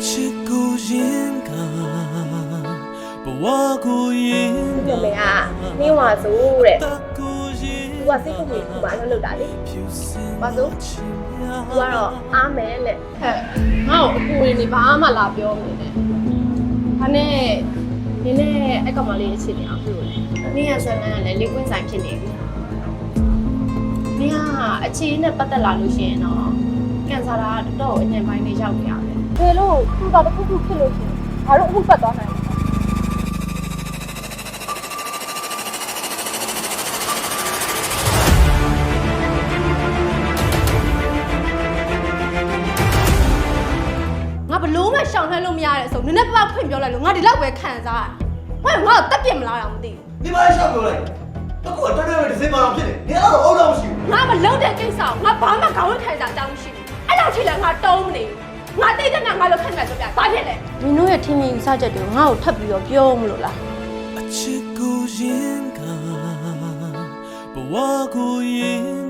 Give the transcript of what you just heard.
妹啊，你话说嘞，我是不会玩那老大的，我说，我说阿妹嘞， ငါ့ကိုအကူတွေနေဘာမှလာပြောမနေနဲ့ဒါနဲ့နင်းနဲ့အဲ့ကောင်မလေးအခြေအနေအောင်ပြုလို့လေနင်းရဆွဲလန်းကလည်းလေကွင်းဆိုင်ဖြစ်နေပြီနင်းကအခြေအနေနဲ့ပတ်သက်လာလို့ရှိရင်တော့ကန်ဆာတာတော်တော်အညံပိုင်းလေးရောက်နေရတယ်ဖေလို့သူ့တော့တစ်ခုခုဖြစ်လို့ရှိရင်ဘာလို့အခုပတ်သွားနိုင်လဲငါဘလို့မှရှောင်လှမ်းလို့မရတဲ့ဆိုနည်းနည်းပါးဖွင့်ပြောလိုက်လို့ငါဒီလောက်ပဲခံစားရတယ်ငါ့ကိုတက်ပြစ်မလားတော့မသိဘူး你妈也想过来，那我这边的谁妈骗的？你那个熬到不行。 ငါမလုံးတဲ့ကိစ္စကိုငါဘာမှခေါင်းထိုင်တာတောင်းရှိဘူးအဲ့လောက်ထိလည်းငါတုံးမနေဘူးငါတိတ်တဲ့ငါလို့ခက်မယ်ဆိုပြဘာဖြစ်လဲမင်းတို့ရဲ့ထင်မြင်ယူဆချက်တွေကိုငါ့ကိုထပ်ပြီးတော့ပြောမလို့လားအချစ်ကိုရင်ကဘဝကိုရင်